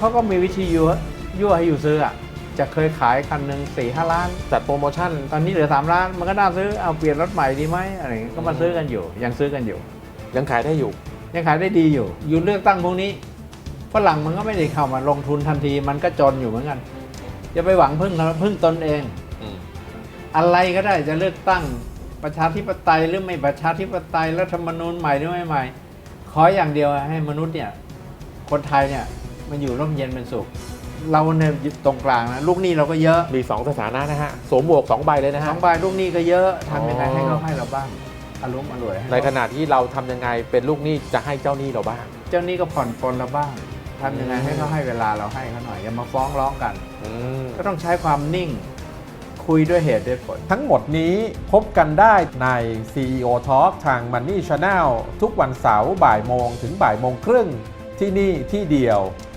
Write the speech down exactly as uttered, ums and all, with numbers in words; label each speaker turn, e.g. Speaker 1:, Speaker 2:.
Speaker 1: เขาก็มีวิธียั่วยั่วให้อยู่ซื้ออ่ะจะเคยขายคันหนึ่งสี่ห้าล้าน
Speaker 2: จัดโปรโมชั่น
Speaker 1: ตอนนี้เหลือสามล้านมันก็น่าซื้อเอาเปลี่ยนรถใหม่ดีไหมอะไรอย่างเงี้ยก็มาซื้อกันอยู่ยังซื้อกันอยู่
Speaker 2: ยังขายได้อยู่
Speaker 1: ยังขายได้ดีอยู่อยู่เลือกตั้งพวกนี้ฝรั่งมันก็ไม่ได้เข้ามาลงทุนทันทีมันก็จนอยู่เหมือนกันอย่าไปหวังพึ่งพึ่งตนเอง
Speaker 2: อืม
Speaker 1: อะไรก็ได้จะเลือกตั้งประชาธิปไตยหรือไม่ประชาธิปไตยรัฐธรรมนูญใหม่หรือไม่ใหม่ขออย่างเดียวให้มนุษย์เนี่ยคนไทยเนี่ยมันอยู่ร่มเย็นเป็นสุขเราเนี่ยอยู่ตรงกลางนะลูกหนี้เราก็เยอะ
Speaker 2: มีสองสถานะนะฮะสวมหมวกสองใบเลยนะ
Speaker 1: ส
Speaker 2: ฮะ
Speaker 1: องใบลูกหนี้ก็เยอะทำยังไง
Speaker 2: อ๋อ
Speaker 1: ให้เขาให้เราบ้างอารมณ์อร่วยให้
Speaker 2: ในขณะที่เราทำยังไงเป็นลูกหนี้จะให้เจ้าหนี้เราบ้าง
Speaker 1: เจ้าหนี้ก็ผ่อนปลนเราบ้างทำยังไงให้เขาให้เวลาเราให้เขาหน่อยอย่ามาฟ้องร้องกัน
Speaker 2: อืม
Speaker 1: ก็ต้องใช้ความนิ่งคุยด้วยเหตุด้วยผล
Speaker 3: ทั้งหมดนี้พบกันได้ใน ซี อี โอ Talk ทาง Money Channel ทุกวันเสาร์บ่ายโมงถึงบ่ายโมงครึ่งที่นี่ที่เดียว